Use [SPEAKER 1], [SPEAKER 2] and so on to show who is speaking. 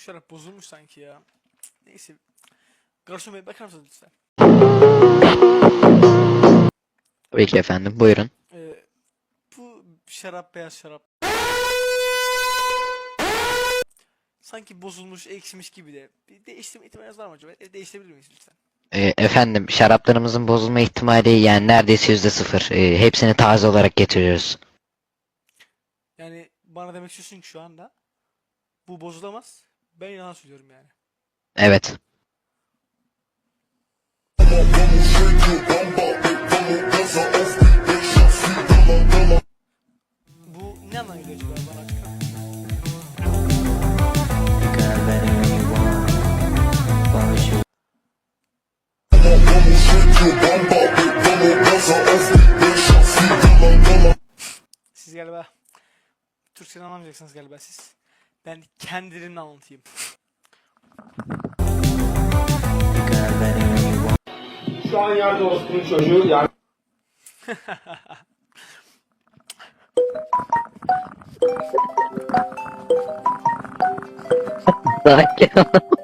[SPEAKER 1] şarap bozulmuş sanki ya. Neyse. Garson bey bakar mısınız lütfen?
[SPEAKER 2] Tabii ki efendim. Buyurun.
[SPEAKER 1] Bu şarap beyaz şarap. Sanki bozulmuş, ekşimiş gibi de. Bir değiştirme ihtimaliniz var mı acaba? Değiştirebilir miyiz lütfen?
[SPEAKER 2] Efendim şaraplarımızın bozulma ihtimali yani neredeyse %0. Hepsini taze olarak getiriyoruz.
[SPEAKER 1] Yani bana demek istiyorsun ki şu anda bu bozulamaz. Ben yalan söylüyorum yani.
[SPEAKER 2] Evet.
[SPEAKER 1] Bu ne anlamı geliyor acaba bana açıkla. Siz galiba Türkçeden anlamayacaksınız galiba siz. Ben kendi dilimle anlatayım.
[SPEAKER 3] Şu an yerde orospunun çocuğu yani.
[SPEAKER 2] Sakin ol.